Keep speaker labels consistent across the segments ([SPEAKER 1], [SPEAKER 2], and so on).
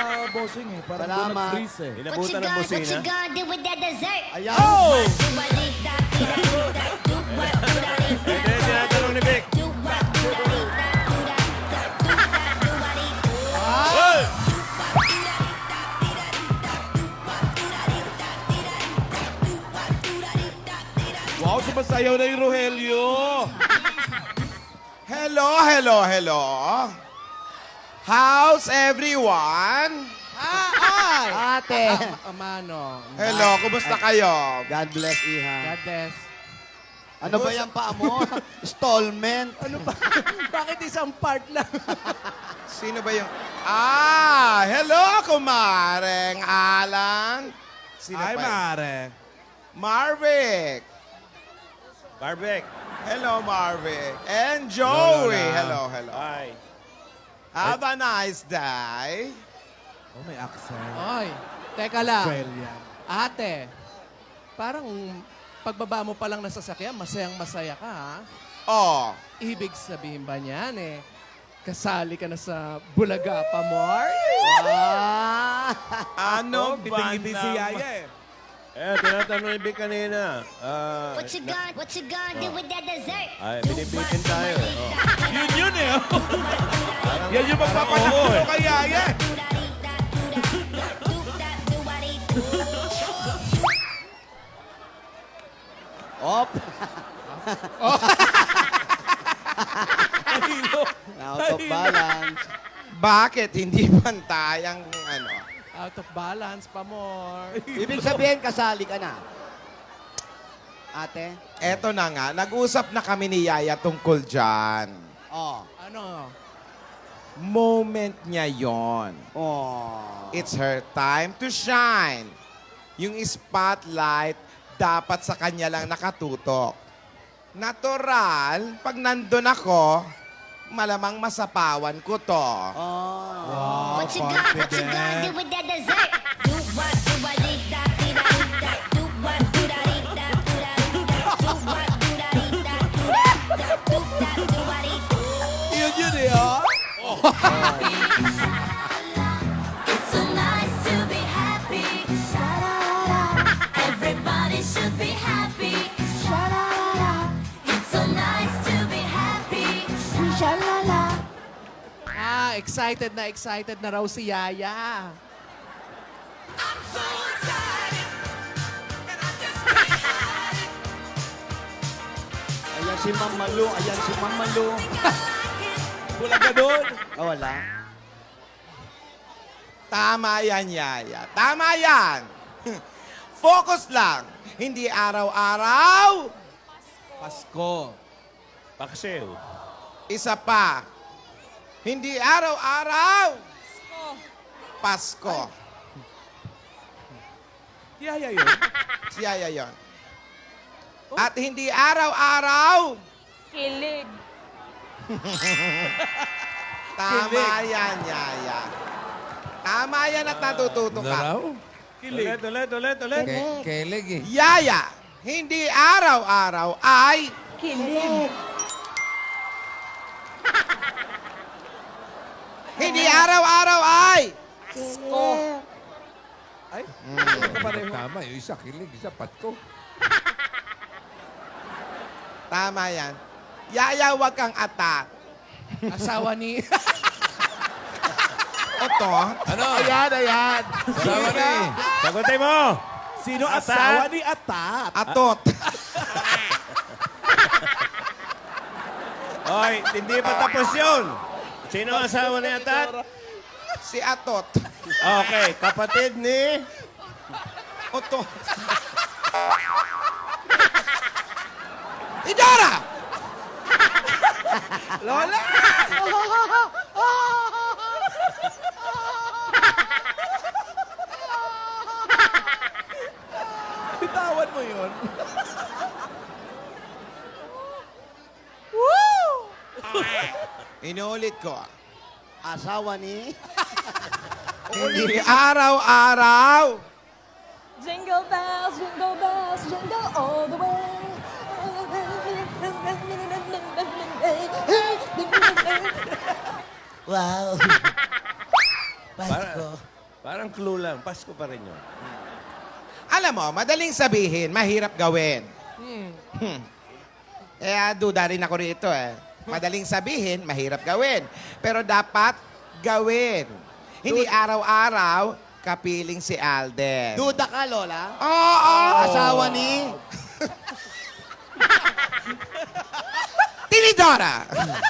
[SPEAKER 1] bossing eh. Parang doon
[SPEAKER 2] Salamat.
[SPEAKER 1] nag-freeze eh.
[SPEAKER 3] Inabutan ng busina.
[SPEAKER 4] What you gonna do with that dessert?
[SPEAKER 2] Ayan.
[SPEAKER 1] Oh!
[SPEAKER 3] Ito yung tinatanong ni Vic. Hoy!
[SPEAKER 1] Wow, sumasayaw na yung Rogelio.
[SPEAKER 5] Hello, hello, hello. How's everyone?
[SPEAKER 2] Ate.
[SPEAKER 6] Amano.
[SPEAKER 5] Hello, kumusta kayo?
[SPEAKER 2] God bless, Iha.
[SPEAKER 6] God bless.
[SPEAKER 2] Ano ba yan pa mo? Stallment.
[SPEAKER 6] Ano ba? Bakit isang part lang?
[SPEAKER 5] Sino ba yung... hello, kumareng Alan. Sino
[SPEAKER 1] Ay,
[SPEAKER 5] pa?
[SPEAKER 1] mare.
[SPEAKER 5] Marvic.
[SPEAKER 3] Barbek.
[SPEAKER 5] Hello, Marvic. And Joey. Hello, hello.
[SPEAKER 3] Hi.
[SPEAKER 5] Have a nice day.
[SPEAKER 1] Oh, may accent.
[SPEAKER 6] Oy, teka lang.
[SPEAKER 1] Australian.
[SPEAKER 6] Ate, parang pagbaba mo pa lang ng sasakyan, masayang masaya ka, ha?
[SPEAKER 5] Oh,
[SPEAKER 6] Ibig sabihin ba niyan kasali ka na sa Bulaga pa, Mar?
[SPEAKER 5] ano ba
[SPEAKER 1] Kiting-kiting si Yaya eh.
[SPEAKER 3] Tinatanong ni Vic kanina.
[SPEAKER 4] What you gonna do with that dessert?
[SPEAKER 3] Ay, binibitin tayo eh. Oh.
[SPEAKER 1] Yun eh. Yan yung magpapanakot kay Yaya eh.
[SPEAKER 2] Op.
[SPEAKER 1] Tahilo.
[SPEAKER 2] Out of balance.
[SPEAKER 5] bakit hindi pantay ang ano?
[SPEAKER 6] Out of balance pa, Mar.
[SPEAKER 2] Ibig sabihin, kasali ka na. Ate?
[SPEAKER 5] Eto na nga, nag-usap na kami ni Yaya tungkol dyan.
[SPEAKER 2] Oh.
[SPEAKER 6] Ano?
[SPEAKER 5] Moment niya yon.
[SPEAKER 2] Oh.
[SPEAKER 5] It's her time to shine. Yung spotlight, dapat sa kanya lang nakatutok. Natural, pag nandun ako, malamang masapawan ko to.
[SPEAKER 2] Oh.
[SPEAKER 1] Wow,
[SPEAKER 4] What you gonna do
[SPEAKER 1] confident.
[SPEAKER 4] with that dessert?
[SPEAKER 1] Yun eh, oh.
[SPEAKER 7] It's so nice to be happy. Sha-la-la-la. Everybody should be happy. Sha-la-la-la. It's so nice to be happy. Sha-la-la.
[SPEAKER 6] Excited na raw si Yaya.
[SPEAKER 7] I'm so excited. And I just can't hide it.
[SPEAKER 2] Ayan si Mamalu. Ayan si Mamalu.
[SPEAKER 1] Bulaga doon.
[SPEAKER 2] Oh, wala.
[SPEAKER 5] Tama yan, Yaya. Tama yan. Focus lang. Hindi araw-araw.
[SPEAKER 1] Pasko.
[SPEAKER 3] Paksew.
[SPEAKER 5] Isa pa. Hindi araw-araw. Pasko.
[SPEAKER 1] Yaya yun.
[SPEAKER 5] Si Yaya yon. At hindi araw-araw.
[SPEAKER 7] Kilig.
[SPEAKER 5] Tama yan, Yaya. Tama yan at natututo ka.
[SPEAKER 1] Kilig.
[SPEAKER 3] Ulit.
[SPEAKER 8] Keleg eh.
[SPEAKER 5] Yaya, hindi araw-araw ay...
[SPEAKER 7] Kilig.
[SPEAKER 5] Hindi araw-araw ay...
[SPEAKER 1] Ay, pareho.
[SPEAKER 8] Tama, yung isa kilig, isa patko.
[SPEAKER 5] Tama yan. Yaya, wag kang atak.
[SPEAKER 6] Asawa ni...
[SPEAKER 5] Oto,
[SPEAKER 8] Ano?
[SPEAKER 1] Ayan.
[SPEAKER 8] Salawa ni.
[SPEAKER 3] Sagutin mo!
[SPEAKER 1] Sino
[SPEAKER 3] Atat?
[SPEAKER 1] asawa ni Atat?
[SPEAKER 5] atot.
[SPEAKER 3] Oy, hindi pa tapos yun. Sino ang asawa ni Atat?
[SPEAKER 5] Si atot.
[SPEAKER 3] Okay, kapatid ni...
[SPEAKER 5] Oto. Idora!
[SPEAKER 1] Lola! Bitawan mo yun.
[SPEAKER 5] Inuulit ko.
[SPEAKER 2] Asawa ni...
[SPEAKER 5] Hindi araw-araw.
[SPEAKER 7] Jingle bells, jingle all the way.
[SPEAKER 2] Wow.
[SPEAKER 3] Parang clue lang. Pasko pa rin yun.
[SPEAKER 5] Alam mo, madaling sabihin, mahirap gawin. Duda rin ako rito eh. Madaling sabihin, mahirap gawin. Pero dapat gawin. Hindi araw-araw, kapiling si Alden.
[SPEAKER 2] Duda ka, Lola?
[SPEAKER 5] Oo!
[SPEAKER 2] Asawa ni...
[SPEAKER 5] Tinidora!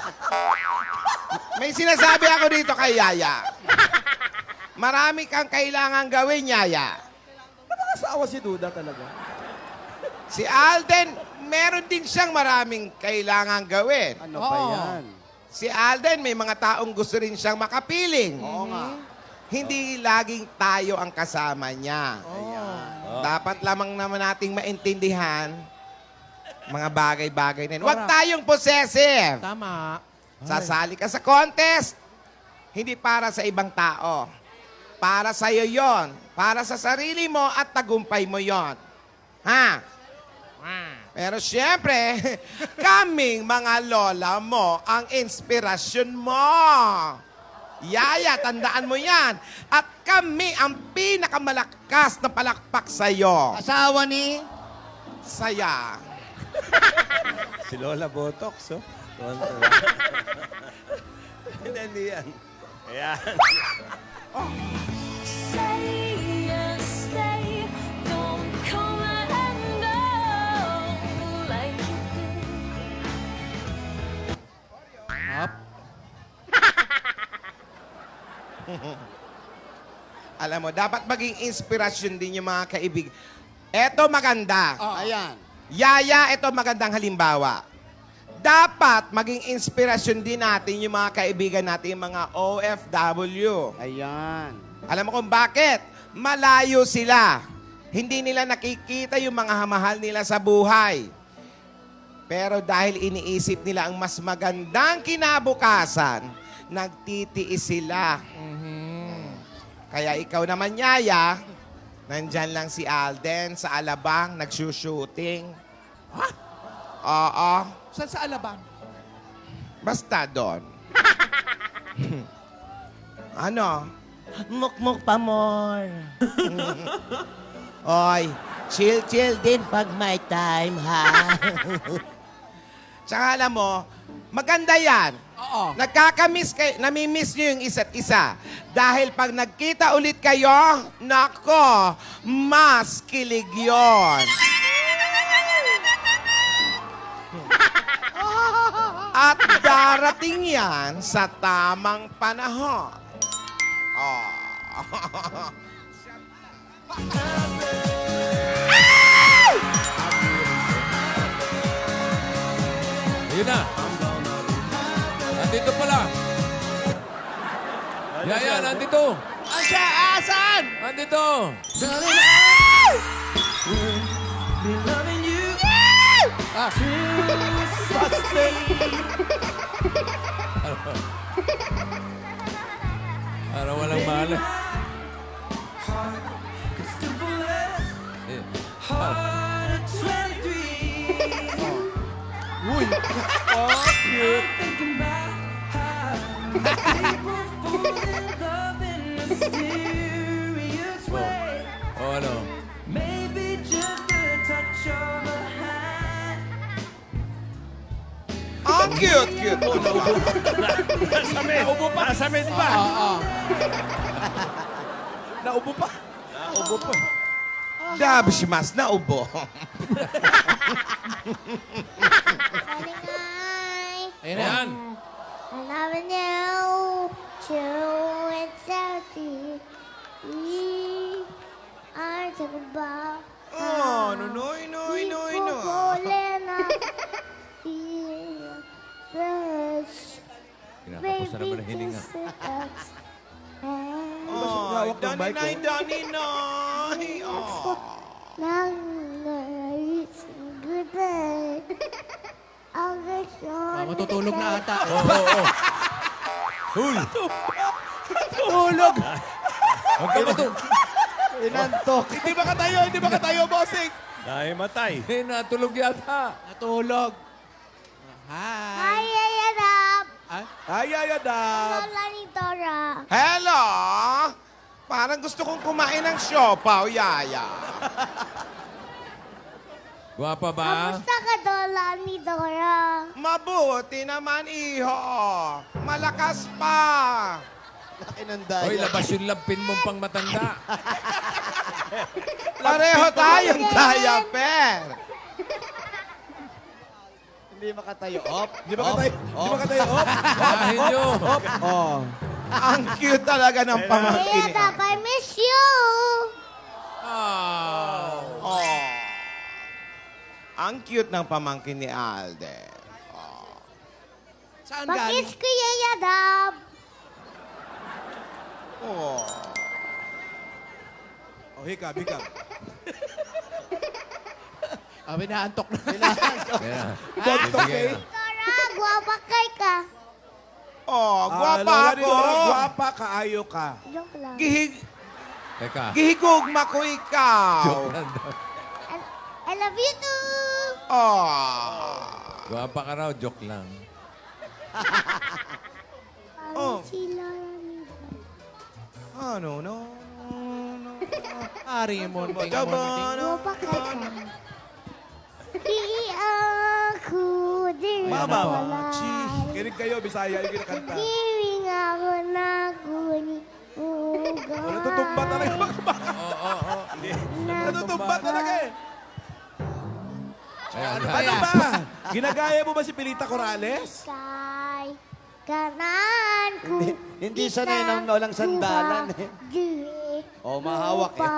[SPEAKER 5] May sinasabi ako dito kay Yaya. Marami kang kailangan gawin, Yaya.
[SPEAKER 6] Asawa si Duda talaga.
[SPEAKER 5] Si Alden, meron din siyang maraming kailangan gawin.
[SPEAKER 2] Ano ba yan?
[SPEAKER 5] Si Alden, may mga taong gusto rin siyang makapiling.
[SPEAKER 2] Oo nga.
[SPEAKER 5] Hindi laging tayo ang kasama niya. Dapat lamang naman nating maintindihan mga bagay-bagay na yun. Huwag tayong possessive.
[SPEAKER 6] Tama.
[SPEAKER 5] Sasali ka sa contest. Hindi para sa ibang tao. Para sa iyo yon. Para sa sarili mo at tagumpay mo yon. Ha? Pero siyempre, kaming mga lola mo ang inspirasyon mo. Yaya, tandaan mo yan. At kami ang pinakamalakas na palakpak sa'yo.
[SPEAKER 2] Asawa ni...
[SPEAKER 5] Saya.
[SPEAKER 3] Si Lola Botox, oh. Hindi yan. Ayan.
[SPEAKER 7] Stay and stay, don't come and go like you did.
[SPEAKER 6] Up.
[SPEAKER 5] Alam mo, dapat maging inspirasyon din yung mga kaibig. Eto maganda.
[SPEAKER 2] Ayan.
[SPEAKER 5] Yaya, ito magandang halimbawa. Dapat maging inspirasyon din natin yung mga kaibigan natin, yung mga OFW.
[SPEAKER 2] Ayan.
[SPEAKER 5] Alam mo kung bakit? Malayo sila. Hindi nila nakikita yung mga mahal nila sa buhay. Pero dahil iniisip nila ang mas magandang kinabukasan, nagtitiis sila. Kaya ikaw naman, Yaya, nandyan lang si Alden sa Alabang, nagsushooting.
[SPEAKER 6] Ha?
[SPEAKER 5] Oo.
[SPEAKER 6] Saan sa Alabang?
[SPEAKER 5] Basta doon. Ano?
[SPEAKER 9] Mukmuk pa more.
[SPEAKER 5] Oy,
[SPEAKER 9] Chill din pag may time, ha?
[SPEAKER 5] tsaka alam mo, maganda yan.
[SPEAKER 6] Oo.
[SPEAKER 5] Nagkakamiss kayo, namimiss nyo yung isa't isa. Dahil pag nagkita ulit kayo, nako, mas kilig yun. At darating yan sa tamang panahon. Oh.
[SPEAKER 8] Ayun na. Nandito pala. Yaya, nandito.
[SPEAKER 5] Asya, asan?
[SPEAKER 8] Nandito. Para walang mali.
[SPEAKER 6] Uy.
[SPEAKER 8] Oh, ano?
[SPEAKER 5] Ang cute mo naman.
[SPEAKER 3] Naubo pa. Nasamit pa.
[SPEAKER 6] Oo. Naubo pa.
[SPEAKER 3] Naubo pa.
[SPEAKER 5] Dabshimas na ubo.
[SPEAKER 6] Ayun na yan.
[SPEAKER 4] I love you, true and salty. We are talking about
[SPEAKER 5] Oh, noy.
[SPEAKER 8] Kinakapos na naman ang hininga.
[SPEAKER 5] Oh, Dani. Oh.
[SPEAKER 6] Matutulog na ata.
[SPEAKER 8] Oo. Huy!
[SPEAKER 6] Tulog.
[SPEAKER 8] Huwag ka matulog.
[SPEAKER 2] Inantok.
[SPEAKER 1] Hindi ba katayo, bossing?
[SPEAKER 3] Dahil matay.
[SPEAKER 8] Eh, natulog yata.
[SPEAKER 6] Natulog. Hi.
[SPEAKER 4] Hi, Ayadap.
[SPEAKER 6] Ah?
[SPEAKER 1] Ay, Adam.
[SPEAKER 4] Lola ni Dora.
[SPEAKER 5] Hello? Parang gusto kong kumain ng siopaw, Yaya.
[SPEAKER 8] Gwapa ba?
[SPEAKER 4] Kamusta ka, Lola ni Dora?
[SPEAKER 5] Mabuti naman, iho. Malakas pa.
[SPEAKER 2] Laki ng
[SPEAKER 8] Hoy,
[SPEAKER 2] daya.
[SPEAKER 8] labas yung lampin mong pang matanda.
[SPEAKER 5] Pareho tayong diaper.
[SPEAKER 2] Hindi makatayo. Op.
[SPEAKER 1] Di ba katay? Di ba katay? Op!
[SPEAKER 8] Bahin nyo.
[SPEAKER 2] Oh.
[SPEAKER 5] Ang cute talaga ng pamangkin
[SPEAKER 4] Kaya
[SPEAKER 5] ni
[SPEAKER 4] Dap, I miss you!
[SPEAKER 5] Oh. Ang cute ng pamangkin ni Alden.
[SPEAKER 6] Saan galing?
[SPEAKER 4] Pakis ko Yaya Dap!
[SPEAKER 5] Oh.
[SPEAKER 1] Oh, hikab, hikab.
[SPEAKER 6] Binaantok na.
[SPEAKER 8] Yan.
[SPEAKER 1] Gantok
[SPEAKER 8] Bibigay
[SPEAKER 1] eh.
[SPEAKER 8] na.
[SPEAKER 4] Dora, guwapa kay ka.
[SPEAKER 5] Oh, gwapa
[SPEAKER 1] Lola ni
[SPEAKER 5] ako.
[SPEAKER 1] Dora, gwapa, kaayo ka.
[SPEAKER 4] Joke lang.
[SPEAKER 8] Teka.
[SPEAKER 5] Gihigugma ko ikaw.
[SPEAKER 8] Joke lang daw.
[SPEAKER 4] I love you too!
[SPEAKER 5] Oh.
[SPEAKER 8] Gwapa ka raw, joke lang.
[SPEAKER 4] Parang si Lola ni Dora.
[SPEAKER 5] Ano, no.
[SPEAKER 6] Ari mo, tingnan mo.
[SPEAKER 4] Guwapa kay ka. Di ako din
[SPEAKER 1] Mama,
[SPEAKER 4] wala.
[SPEAKER 1] kinig kayo, Bisaya yung kinakanta.
[SPEAKER 4] Kiwing ako na guni ugat.
[SPEAKER 1] Natutumba talaga mga baka. Natutumba talaga eh.
[SPEAKER 8] Ayan.
[SPEAKER 1] Ano ba? Ginagaya mo ba si Pilita Corrales?
[SPEAKER 4] Kay kanan ko.
[SPEAKER 2] Hindi sanay ng walang sandalan eh. Oh, mahawak eh.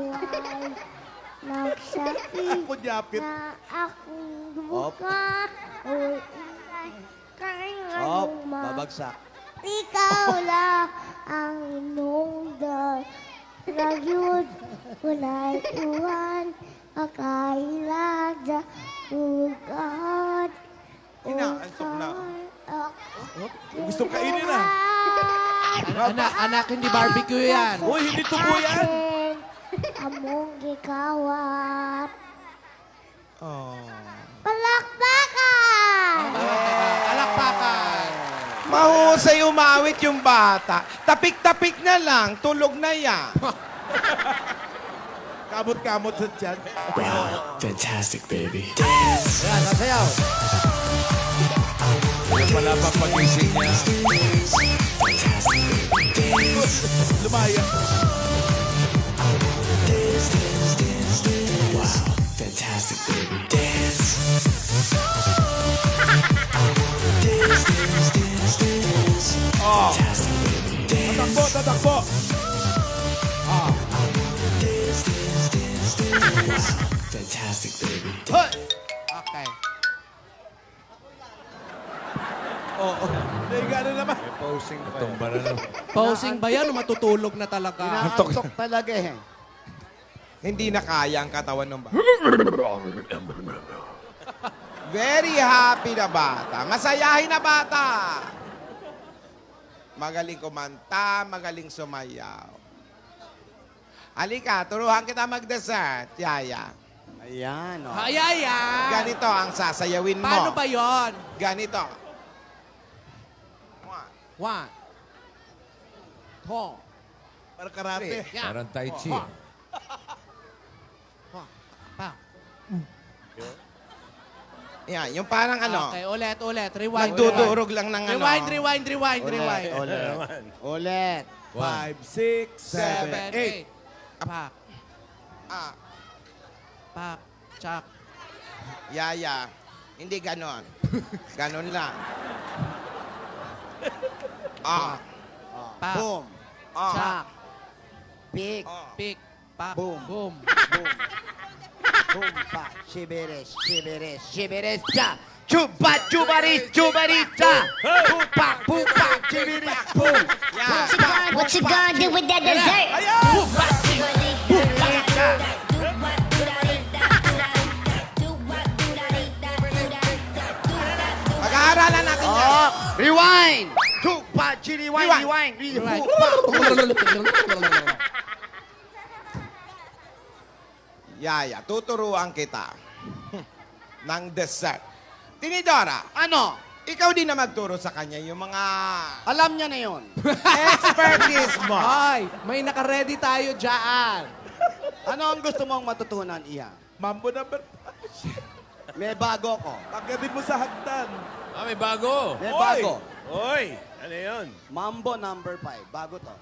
[SPEAKER 4] Nagsakit
[SPEAKER 1] Ako nyapit.
[SPEAKER 4] na akong buka. O inay
[SPEAKER 2] Op.
[SPEAKER 4] kanyang
[SPEAKER 2] Babagsak.
[SPEAKER 4] Ikaw lang ang inungdan. Ragyod, wala'y iwan. Akailaga, ugat.
[SPEAKER 5] Inaantok na.
[SPEAKER 1] Gusto kainin na.
[SPEAKER 6] Anak, hindi barbecue yan.
[SPEAKER 1] Uy, hindi tubo yan.
[SPEAKER 4] Among gikawat.
[SPEAKER 5] Oh.
[SPEAKER 4] Palakpakan!
[SPEAKER 6] Alakpakan.
[SPEAKER 5] Mahusay umawit yung bata. Tapik-tapik na lang, tulog na yan.
[SPEAKER 1] Kamot-kamot sa tiyan.
[SPEAKER 10] Fantastic, baby.
[SPEAKER 2] Yan, nasayaw.
[SPEAKER 8] Yung pala pang pagising niya.
[SPEAKER 1] Lumaya.
[SPEAKER 10] Fantastic, baby. Dance.
[SPEAKER 1] Oh,
[SPEAKER 10] Fantastic, baby. Dance.
[SPEAKER 1] tatakbo, tatakbo.
[SPEAKER 10] Fantastic, baby.
[SPEAKER 6] Okay.
[SPEAKER 1] Oo. Hindi, gano'n naman.
[SPEAKER 8] Tumba na lang.
[SPEAKER 6] Posing ba yan o matutulog na talaga?
[SPEAKER 2] Inaantok talaga eh.
[SPEAKER 5] Hindi na kaya ang katawan ng bata. Very happy na bata. Masayahin na bata. Magaling kumanta, magaling sumayaw. Halika, turuan kita mag-dessert, Yaya.
[SPEAKER 2] Ayan, oh.
[SPEAKER 6] Hayaya!
[SPEAKER 5] Ganito ang sasayawin mo.
[SPEAKER 6] Paano ba yon?
[SPEAKER 5] Ganito.
[SPEAKER 6] One. Two.
[SPEAKER 1] Para karate.
[SPEAKER 6] Yeah.
[SPEAKER 8] Parang tai chi.
[SPEAKER 6] Pa.
[SPEAKER 5] Yan, yung parang ano,
[SPEAKER 6] Okay, ulit. Rewind.
[SPEAKER 5] nagdudurog lang ng ano.
[SPEAKER 6] Rewind.
[SPEAKER 2] Ulit. Ulit.
[SPEAKER 1] 5, 6, 7, 8.
[SPEAKER 6] Pak.
[SPEAKER 5] Ah,
[SPEAKER 6] Pak. Chak.
[SPEAKER 5] Yaya, hindi ganon. Ganon lang. Ah,
[SPEAKER 6] Pak.
[SPEAKER 2] Boom.
[SPEAKER 5] ah,
[SPEAKER 6] Chak.
[SPEAKER 2] Pick.
[SPEAKER 5] ah.
[SPEAKER 6] Pik. Pak.
[SPEAKER 2] Boom.
[SPEAKER 6] Boom.
[SPEAKER 2] Boom. Boom pa. Shibiris. Shibiris. Shibiris. Cha. Chupa. Chubaris. Chubaris. Cha. Pupa. Pupa. Shibiris. Boom.
[SPEAKER 5] Yan.
[SPEAKER 4] What you gonna do with that dessert?
[SPEAKER 5] Pag-aaralan natin yan.
[SPEAKER 2] Oh. Rewind. Chupa. Rewind.
[SPEAKER 5] Rewind.
[SPEAKER 2] Rewind.
[SPEAKER 5] Yaya, tuturuan kita ng dessert. Tinidora,
[SPEAKER 2] Ano?
[SPEAKER 5] ikaw din na magturo sa kanya yung mga
[SPEAKER 2] Alam niya na yon.
[SPEAKER 5] expertise mo.
[SPEAKER 6] Hoy, may naka-ready tayo dyan.
[SPEAKER 2] Ano ang gusto mong matutunan, Iha?
[SPEAKER 1] Mambo number
[SPEAKER 2] May bago ko.
[SPEAKER 1] Pagdating mo sa hagdan.
[SPEAKER 8] Ah, may bago.
[SPEAKER 2] May bago.
[SPEAKER 3] Oy! Ano yun?
[SPEAKER 2] Mambo number 5. Bago to.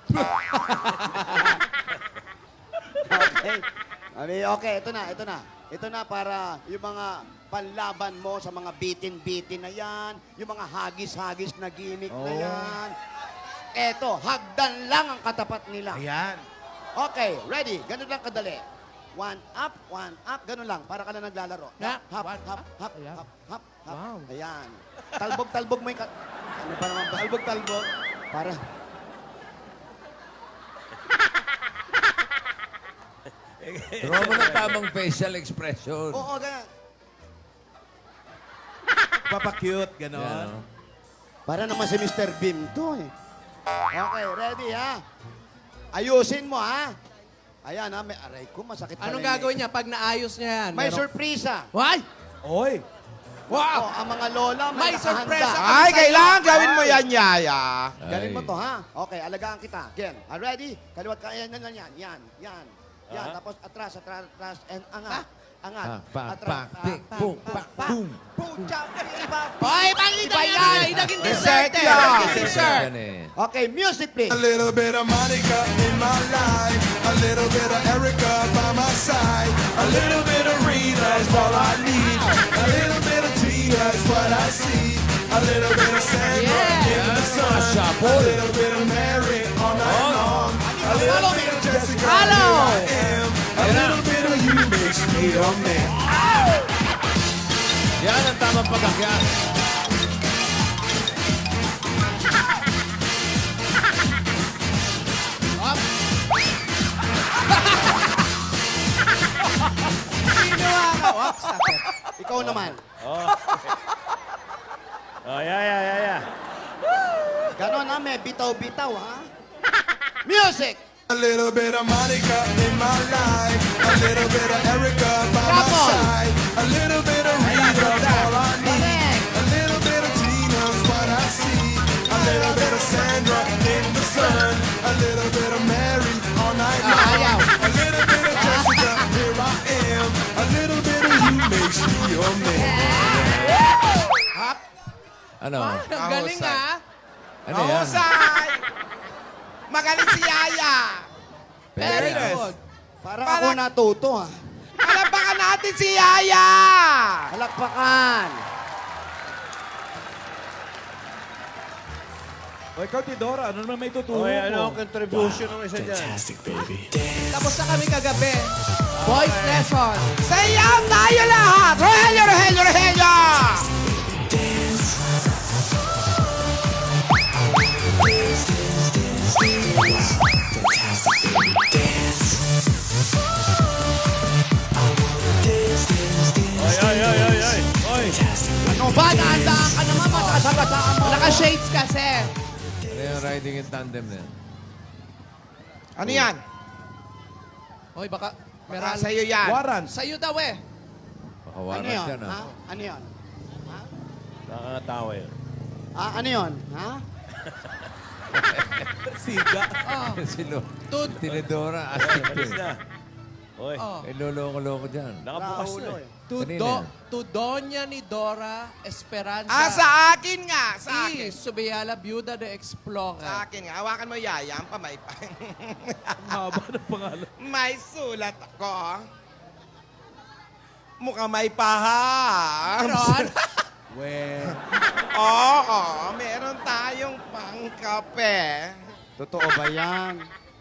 [SPEAKER 2] Okay. Okay, ito na. Ito na para yung mga panlaban mo sa mga bitin-bitin na yan, yung mga hagis-hagis na gimmick na yan. Eto, hagdan lang ang katapat nila.
[SPEAKER 1] Ayan.
[SPEAKER 2] Okay, ready? Ganun lang kadali. One up, ganun lang. Para ka na naglalaro.
[SPEAKER 6] Na,
[SPEAKER 2] Hop,
[SPEAKER 6] one
[SPEAKER 2] hop,
[SPEAKER 6] up.
[SPEAKER 2] hop,
[SPEAKER 6] Ayan.
[SPEAKER 2] hop, hop, hop.
[SPEAKER 6] Wow.
[SPEAKER 2] Ayan. Talbog mo yung... Ano ba naman ba? Talbog. Para...
[SPEAKER 8] Draw mo ng tamang facial expression.
[SPEAKER 2] Oo, ganun.
[SPEAKER 1] Papakute,
[SPEAKER 8] Yan,
[SPEAKER 1] gano'n.
[SPEAKER 8] oh.
[SPEAKER 2] Para naman si Mr. Bean to eh. Okay, ready ha? Ayusin mo ha? Ayan ha, may aray ko, masakit pala
[SPEAKER 6] Anong
[SPEAKER 2] yun eh.
[SPEAKER 6] gagawin niya pag naayos niya yan?
[SPEAKER 2] May
[SPEAKER 6] Meron-
[SPEAKER 2] surpresa.
[SPEAKER 6] Why?
[SPEAKER 1] Oy!
[SPEAKER 2] Wow! ang mga lola may,
[SPEAKER 6] May sorpresa
[SPEAKER 2] nakahanda.
[SPEAKER 6] ka.
[SPEAKER 5] Ay, kailangan gawin mo yan, Yaya.
[SPEAKER 2] Galing mo
[SPEAKER 8] Ay.
[SPEAKER 2] to ha? Okay, alagaan kita. Again, ready? Kaliwat ka, yan. Yan. Tapos atras, and angat. Angat.
[SPEAKER 8] Pak,
[SPEAKER 2] Atras.
[SPEAKER 8] pak, tik, pum, pak, pum.
[SPEAKER 2] Pucha, iba.
[SPEAKER 6] Hoy,
[SPEAKER 2] Iba yan.
[SPEAKER 6] Naging
[SPEAKER 5] Dessert
[SPEAKER 6] dessert eh.
[SPEAKER 5] yan.
[SPEAKER 6] Naging dessert.
[SPEAKER 8] Yan eh.
[SPEAKER 2] Okay, music please.
[SPEAKER 10] A little bit of Monica in my life, a little bit of Erica by my side, a little bit of Rita is all I need, a little bit of Tina is what I see, a little bit of Sandra in the sun, a little bit of Mary all night long, a little bit of Jessica,
[SPEAKER 6] Hello.
[SPEAKER 10] here I am, a little bit of you makes me a man.
[SPEAKER 8] Yan ang tamang pagkakyan.
[SPEAKER 6] Ginawa ka. Oops, sakit.
[SPEAKER 2] Ikaw naman.
[SPEAKER 3] Oh, yeah.
[SPEAKER 2] Ganon ha, may bitaw-bitaw ha? Music!
[SPEAKER 10] A little bit of Monica in my life, a little bit of Erica by my
[SPEAKER 2] Couple.
[SPEAKER 10] side, a little bit of Rita is all I need,
[SPEAKER 2] Correct.
[SPEAKER 10] a little bit of Tina's what I see, a little bit of Sandra in the sun, a little bit of Mary all night long, a little bit of Jessica, here I am, a little bit of you makes me your man.
[SPEAKER 8] Ano?
[SPEAKER 6] Ang galing ah.
[SPEAKER 8] Ano yan?
[SPEAKER 5] Mahusay! Magaling si Yaya.
[SPEAKER 6] Very
[SPEAKER 8] Fairness.
[SPEAKER 6] good.
[SPEAKER 2] Parang ako natuto ha.
[SPEAKER 5] Palapakan natin si Yaya!
[SPEAKER 2] Palakpakan!
[SPEAKER 1] O ikaw, Tidora, ano naman may tuturo
[SPEAKER 3] Oy,
[SPEAKER 1] mo?
[SPEAKER 3] ano ang contribution ng isa dyan?
[SPEAKER 10] Fantastic, baby.
[SPEAKER 6] Tapos na kami kagabi. Voice lesson.
[SPEAKER 5] Sayaw tayo lahat! Rogelio, Rogelio, Rogelio!
[SPEAKER 10] Fantastic, baby. Dance.
[SPEAKER 3] Oy.
[SPEAKER 10] Fantastic, baby.
[SPEAKER 2] Ano ba? Dahan-dahan ka naman, matasagasaan mo.
[SPEAKER 6] Naka-shades kasi.
[SPEAKER 8] Ano yung riding in tandem na yan?
[SPEAKER 5] Ano yan?
[SPEAKER 6] Hoy, baka
[SPEAKER 5] Baka
[SPEAKER 6] meral.
[SPEAKER 5] sa'yo yan.
[SPEAKER 1] Warrant.
[SPEAKER 6] Sa'yo daw eh.
[SPEAKER 8] Baka
[SPEAKER 2] Ano
[SPEAKER 8] warrant
[SPEAKER 2] yun?
[SPEAKER 8] yan,
[SPEAKER 2] Ha?
[SPEAKER 8] ah.
[SPEAKER 2] Ano yun?
[SPEAKER 3] Nakakatawa yun.
[SPEAKER 2] Ano yun? Ha?
[SPEAKER 1] Siga.
[SPEAKER 6] Oh.
[SPEAKER 8] Sino?
[SPEAKER 6] Tud.
[SPEAKER 8] Tinidora, astig
[SPEAKER 3] Alis
[SPEAKER 8] eh.
[SPEAKER 3] na. Oy,
[SPEAKER 6] Oh.
[SPEAKER 8] Eh, loloko-loko dyan.
[SPEAKER 3] nakabukas na
[SPEAKER 2] Raulo
[SPEAKER 3] eh.
[SPEAKER 8] Kanina yan.
[SPEAKER 6] To Doña ni Dora Esperanza.
[SPEAKER 5] Sa akin nga, sa akin.
[SPEAKER 6] Y Subiala, Viuda de Explorer.
[SPEAKER 5] Sa akin nga. Hawakan mo, Yaya, ang pamay pa.
[SPEAKER 1] Ang haba ng pangalan.
[SPEAKER 5] May sulat ako. Mukhang may paham.
[SPEAKER 6] Meron?
[SPEAKER 1] We.
[SPEAKER 5] Oo, meron tayong pangkape.
[SPEAKER 2] Totoo ba yan?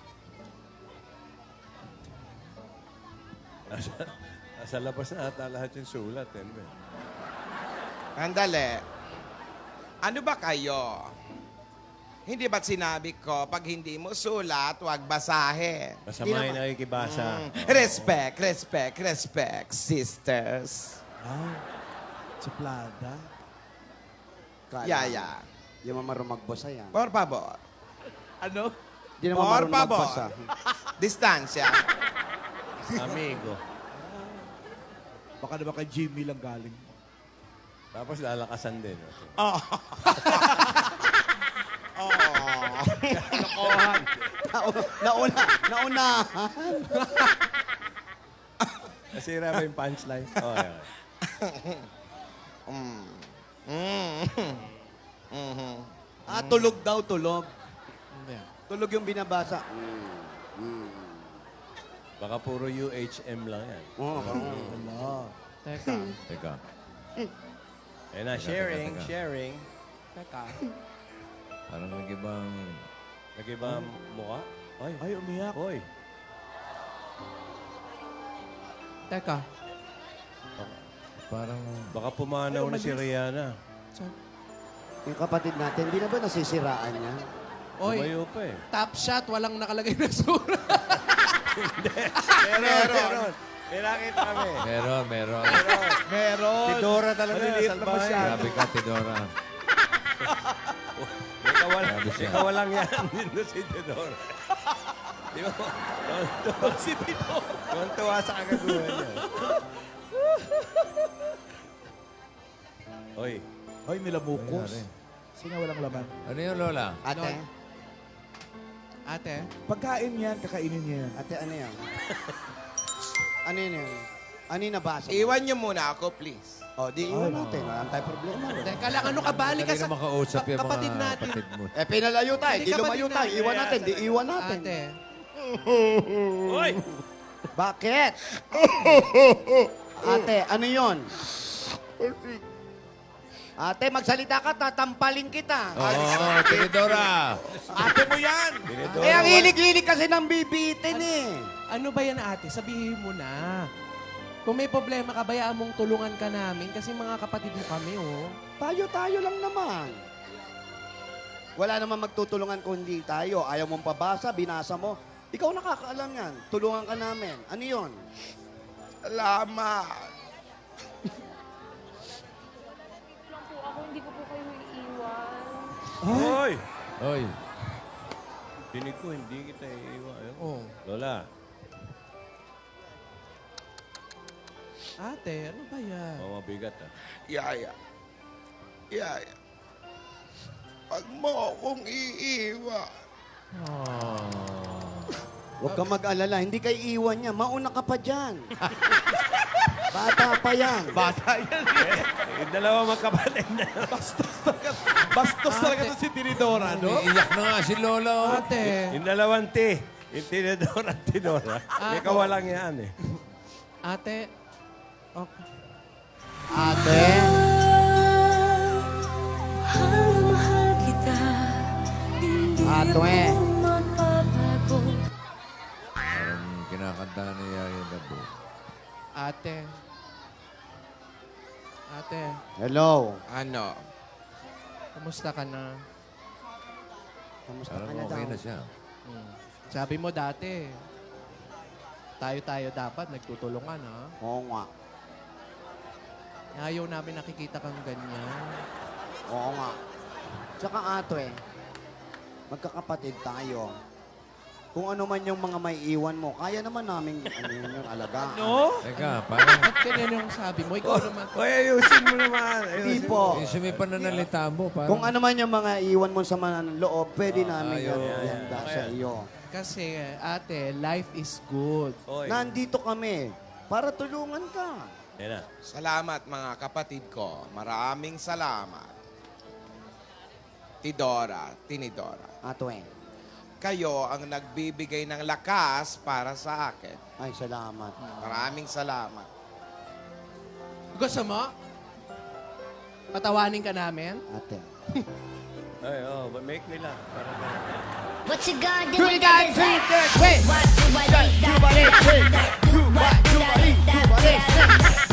[SPEAKER 3] Nasa labas na ata lahat yung sulat. Eh.
[SPEAKER 5] Andali. Ano ba kayo? Hindi ba't sinabi ko, pag hindi mo sulat, huwag basahin?
[SPEAKER 3] Masama yung nakikibasa.
[SPEAKER 5] Respect, sisters.
[SPEAKER 1] Suplada.
[SPEAKER 5] Yaya.
[SPEAKER 2] Di mo marunong magbasa yan.
[SPEAKER 5] Por favor.
[SPEAKER 1] Ano?
[SPEAKER 2] Di naman
[SPEAKER 5] Por
[SPEAKER 2] marunong
[SPEAKER 5] favor.
[SPEAKER 2] magbasa.
[SPEAKER 5] Distansya.
[SPEAKER 3] Amigo.
[SPEAKER 1] Baka naman kay Jimmy lang galing.
[SPEAKER 3] Tapos lalakasan din.
[SPEAKER 2] Oh.
[SPEAKER 3] Lokohan.
[SPEAKER 2] Naunahan.
[SPEAKER 3] Nasira ba yung punchline? Oh, yeah.
[SPEAKER 2] Tulog daw, tulog.
[SPEAKER 6] Hindi.
[SPEAKER 2] Tulog yung binabasa.
[SPEAKER 3] Baka puro UHM lang yan.
[SPEAKER 6] Teka.
[SPEAKER 8] Teka.
[SPEAKER 3] Ayun na, sharing,
[SPEAKER 8] teka.
[SPEAKER 3] sharing.
[SPEAKER 6] Teka.
[SPEAKER 8] Parang nag-ibang...
[SPEAKER 3] Nag-iba ang mukha? Ay,
[SPEAKER 1] umiyak.
[SPEAKER 3] Hoy.
[SPEAKER 6] Teka.
[SPEAKER 8] Parang...
[SPEAKER 3] Baka pumanaw na si Rihanna.
[SPEAKER 2] Yung kapatid natin, di na ba nasisiraan niya?
[SPEAKER 6] Oy,
[SPEAKER 3] Tumayo pa eh.
[SPEAKER 6] top shot, walang nakalagay na sura.
[SPEAKER 3] Meron. May nakita kami.
[SPEAKER 8] Meron.
[SPEAKER 1] Meron.
[SPEAKER 3] Si Dora talaga,
[SPEAKER 1] Maliliit lang
[SPEAKER 3] salbahe.
[SPEAKER 1] masyado.
[SPEAKER 8] Grabe ka, Tidora.
[SPEAKER 3] May kawalang,
[SPEAKER 8] Grabe siya.
[SPEAKER 3] may kawalang yan. Dito si Dora. Di ba?
[SPEAKER 1] Si Tito.
[SPEAKER 3] Tuwan-tuwa sa kagaguhan niya. Oy.
[SPEAKER 1] Ay, nilamukos.
[SPEAKER 8] Nangyari.
[SPEAKER 1] Sino walang laman?
[SPEAKER 8] Ano yun, Lola?
[SPEAKER 2] Ate?
[SPEAKER 6] Ate,
[SPEAKER 1] Pagkain yan, kakainin niya yan.
[SPEAKER 2] Ate, ano yan? Ano yan? Ano yung nabasa?
[SPEAKER 5] Iwan niyo muna ako, please.
[SPEAKER 2] Di iwan natin. Wala tayong problema.
[SPEAKER 6] teka lang, ano ka bali ka
[SPEAKER 8] Dali
[SPEAKER 6] sa
[SPEAKER 8] na makausap yung mga
[SPEAKER 6] kapatid natin?
[SPEAKER 8] kapatid mo.
[SPEAKER 2] Pinalayo tayo.
[SPEAKER 6] Hindi
[SPEAKER 2] Di
[SPEAKER 6] ka
[SPEAKER 2] lumayo
[SPEAKER 6] ba
[SPEAKER 2] tayo.
[SPEAKER 6] din
[SPEAKER 2] Iwan natin. Di iwan natin.
[SPEAKER 6] Ate,
[SPEAKER 3] Oy!
[SPEAKER 2] Bakit? Ate, ano yon? Ate, magsalita ka, tatampalin kita.
[SPEAKER 8] Oo, Tidora.
[SPEAKER 2] Ate mo yan. Ang hilig-hilig kasi ng bibitin eh.
[SPEAKER 6] ano ba yan ate? Sabihin mo na. Kung may problema ka, bayaan mong tulungan ka namin kasi mga kapatid mo kami, oh.
[SPEAKER 2] Tayo lang naman. Wala naman magtutulungan kung hindi tayo. Ayaw mong pabasa, binasa mo. Ikaw nakakaalam yan. Tulungan ka namin. Ano yon?
[SPEAKER 5] Salamat.
[SPEAKER 11] lang po ako, hindi ko po kayo iiwan.
[SPEAKER 3] Hoy!
[SPEAKER 8] Oy.
[SPEAKER 3] Tinig ko, hindi kita iiwan. Ayun.
[SPEAKER 6] Oh.
[SPEAKER 3] Lola,
[SPEAKER 6] Ate, ano ba yan?
[SPEAKER 3] mabigat ah.
[SPEAKER 5] Yaya. Pag mo akong iiwan.
[SPEAKER 2] Huwag ka mag-alala. Hindi kay iwan niya. Mauna ka pa dyan. Bata pa yan.
[SPEAKER 1] Bata yan eh.
[SPEAKER 3] Yung dalawa magkapatid na.
[SPEAKER 1] Bastos talaga to si Tinidora, no?
[SPEAKER 8] Iiyak na nga si Lola. Oh.
[SPEAKER 6] Ate,
[SPEAKER 3] Yung dalawang T. Yung Tinidora at Tidora. May kawalang yan eh.
[SPEAKER 6] ate, okay.
[SPEAKER 2] Ate?
[SPEAKER 7] Mahal kita, hindi
[SPEAKER 2] Ate.
[SPEAKER 7] ako magbabago.
[SPEAKER 8] Parang kinakanta ni Yaya Dabo.
[SPEAKER 6] Ate. Ate,
[SPEAKER 2] Hello.
[SPEAKER 5] Ano?
[SPEAKER 6] kamusta ka na?
[SPEAKER 2] Kamusta
[SPEAKER 8] Parang
[SPEAKER 2] ka na
[SPEAKER 8] okay
[SPEAKER 2] daw?
[SPEAKER 8] na siya.
[SPEAKER 6] Sabi mo dati, tayo dapat nagtutulungan, ha?
[SPEAKER 2] Oo nga.
[SPEAKER 6] Ayaw namin nakikita kang ganyan.
[SPEAKER 2] Oo nga. Tsaka ate, magkakapatid tayo. Kung ano man yung mga may iwan mo, kaya naman namin yung alagaan.
[SPEAKER 1] No?
[SPEAKER 8] Teka, parang
[SPEAKER 6] Ba't ganyan yung sabi mo? Ikaw naman.
[SPEAKER 3] Hoy, ayusin mo naman.
[SPEAKER 2] Hindi
[SPEAKER 3] Ayusin
[SPEAKER 2] po.
[SPEAKER 8] yung sumipan na nalita mo. Parang,
[SPEAKER 2] Kung ano man yung mga iwan mo sa mga loob, pwede namin
[SPEAKER 8] ayun.
[SPEAKER 2] ihanda sa iyo.
[SPEAKER 6] Kasi, ate, life is good.
[SPEAKER 3] Hoy.
[SPEAKER 2] Nandito kami para tulungan ka.
[SPEAKER 3] Yan na.
[SPEAKER 5] Salamat mga kapatid ko. Maraming salamat. Tinidora.
[SPEAKER 2] Ate,
[SPEAKER 5] Kayo ang nagbibigay ng lakas para sa akin.
[SPEAKER 2] ay salamat.
[SPEAKER 5] Maraming salamat.
[SPEAKER 6] Gusto mo? Patawanin ka namin?
[SPEAKER 2] Ate.
[SPEAKER 3] Ay, make nila. Para
[SPEAKER 4] What you gonna do with that dessert?
[SPEAKER 6] Wait!
[SPEAKER 4] What do I need that? Do what do I need that?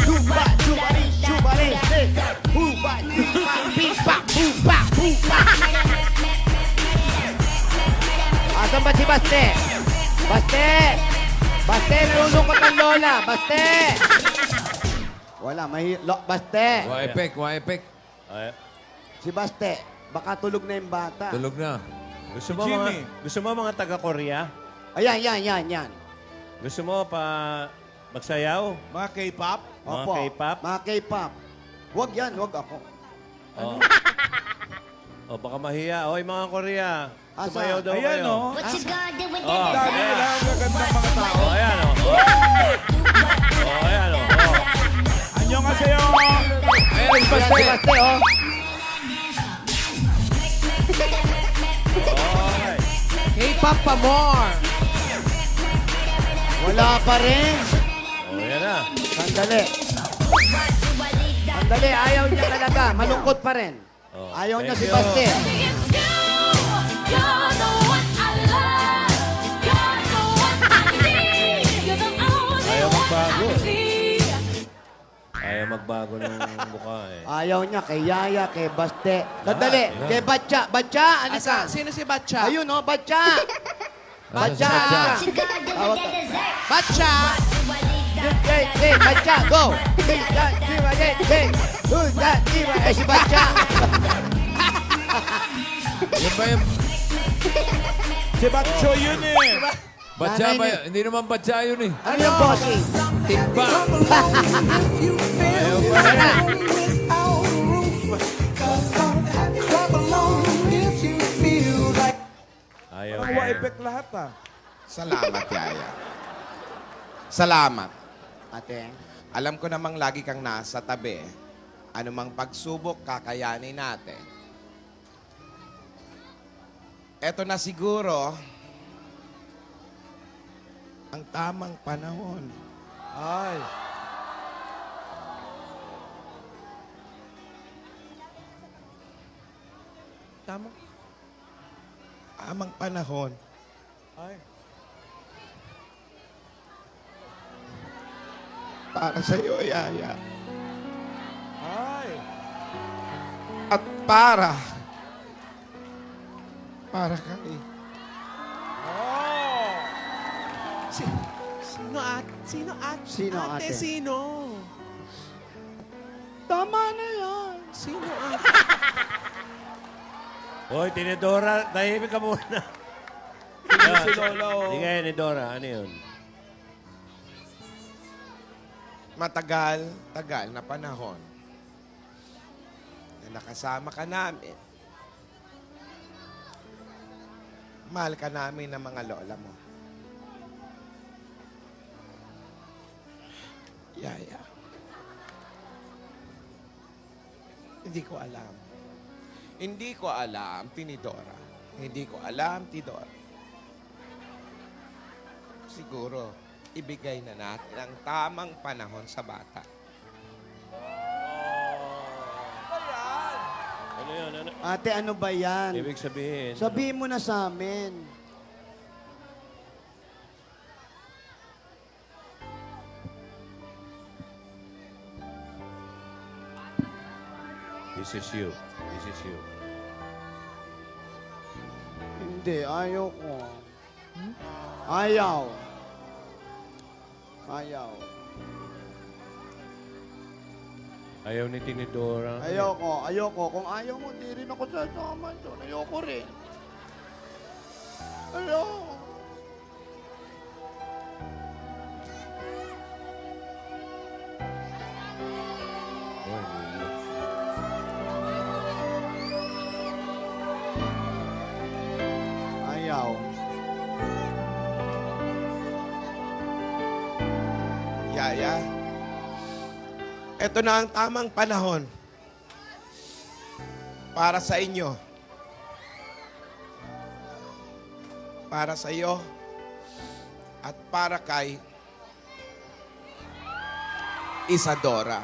[SPEAKER 2] Asan ba si Baste? Baste! Baste, nalulungkot ang lola. Baste! Wala, Baste!
[SPEAKER 8] Waipek.
[SPEAKER 3] Ay,
[SPEAKER 2] Si Baste, baka tulog na yung bata.
[SPEAKER 8] Tulog na.
[SPEAKER 3] gusto mo mga taga-Korea?
[SPEAKER 2] Ayan, yan.
[SPEAKER 3] Gusto mo pa magsayaw?
[SPEAKER 1] Mga K-pop?
[SPEAKER 3] Mga
[SPEAKER 2] Opo.
[SPEAKER 3] K-pop?
[SPEAKER 2] Mga K-pop. Wag yan, wag ako.
[SPEAKER 3] Oh. Oh, baka mahiya. Oy, mga Korea.
[SPEAKER 2] Asa?
[SPEAKER 3] Sumayaw daw
[SPEAKER 1] Ayan,
[SPEAKER 3] kayo.
[SPEAKER 1] oh.
[SPEAKER 7] What you gonna do when
[SPEAKER 3] Oh,
[SPEAKER 7] you
[SPEAKER 1] Dami
[SPEAKER 3] ayan.
[SPEAKER 1] nila ang gagandang mga tao.
[SPEAKER 3] Oh, ayan, oh. Oh, ayan, oh. Oh.
[SPEAKER 1] Anyong kasayo.
[SPEAKER 8] Ayan, Baste.
[SPEAKER 2] Baste, oh.
[SPEAKER 3] Okay.
[SPEAKER 6] K-pop pa more.
[SPEAKER 2] Wala pa rin.
[SPEAKER 3] Oh, yan na.
[SPEAKER 2] Sandali. Sandali, ayaw niya talaga. Malungkot pa rin.
[SPEAKER 3] Oh,
[SPEAKER 2] Ayaw niya
[SPEAKER 3] thank
[SPEAKER 2] si
[SPEAKER 3] you.
[SPEAKER 2] Baste.
[SPEAKER 7] It's you. You're the one I love. You're the one I need. You're the only
[SPEAKER 3] Ayaw
[SPEAKER 7] one
[SPEAKER 3] magbago.
[SPEAKER 7] I see.
[SPEAKER 3] Ayaw magbago ng mukha eh.
[SPEAKER 2] Ayaw niya kay Yaya, kay Baste. Sandali,
[SPEAKER 3] Lahat,
[SPEAKER 2] kay Batcha. Batcha, ano ka?
[SPEAKER 6] Sino si Batcha?
[SPEAKER 2] Ayun, oh, Batcha. Batcha.
[SPEAKER 7] What you gonna do
[SPEAKER 2] Tawag
[SPEAKER 7] when
[SPEAKER 2] ka.
[SPEAKER 7] you dessert?
[SPEAKER 6] Batcha!
[SPEAKER 2] Hey, Batcha, go. Hey, that, diba, hey. Who's that, diba? Eh, si Batcha.
[SPEAKER 8] Yun ba yung
[SPEAKER 1] Si Batcho yun eh.
[SPEAKER 8] batya
[SPEAKER 2] Nanay
[SPEAKER 8] ba?
[SPEAKER 2] ni-
[SPEAKER 8] Hindi naman batya yun eh.
[SPEAKER 2] Ano yung bossing?
[SPEAKER 8] Timba.
[SPEAKER 2] Ayaw na.
[SPEAKER 3] Ayaw.
[SPEAKER 1] Nakuha effect lahat ah.
[SPEAKER 5] Salamat, Yaya. Salamat.
[SPEAKER 2] Ate,
[SPEAKER 5] Alam ko namang lagi kang nasa tabi. Anumang pagsubok, kakayanin natin. Eto na siguro ang tamang panahon.
[SPEAKER 1] Ay.
[SPEAKER 6] Tama.
[SPEAKER 5] Tamang panahon.
[SPEAKER 1] Ay.
[SPEAKER 5] Para sa iyo, Yaya.
[SPEAKER 1] Ay.
[SPEAKER 5] At para kay
[SPEAKER 1] Oh.
[SPEAKER 6] Sino at? Sino at?
[SPEAKER 2] Sino, ate?
[SPEAKER 6] Sino?
[SPEAKER 2] tama na yan.
[SPEAKER 6] Sino at?
[SPEAKER 3] Hoy, Tinidora, tahimik ka muna.
[SPEAKER 1] Si Lola oh.
[SPEAKER 3] Sige, Tinidora, ano yun?
[SPEAKER 5] tagal na panahon na nakasama ka namin. Mahal ka namin ng mga lola mo. Yaya. Hindi ko alam. Hindi ko alam, Tinidora. Hindi ko alam, Tidora. Siguro, ibigay na natin ang tamang panahon sa bata.
[SPEAKER 3] Ano yun? Ano?
[SPEAKER 2] Ate, ano ba yan?
[SPEAKER 3] Ibig sabihin.
[SPEAKER 2] Sabihin mo na sa amin.
[SPEAKER 3] This is you. This is you.
[SPEAKER 2] Hindi, ayaw ko. Ayaw. Ayaw.
[SPEAKER 3] Ayaw ni Tinidora.
[SPEAKER 2] Ayoko, ayoko. Kung ayaw mo, di rin ako sasama doon. Ayoko rin. Ayoko.
[SPEAKER 3] Hoy, Lilo.
[SPEAKER 2] Ayaw.
[SPEAKER 5] Yaya, eto na ang tamang panahon para sa inyo. Para sa iyo at para kay Isadora.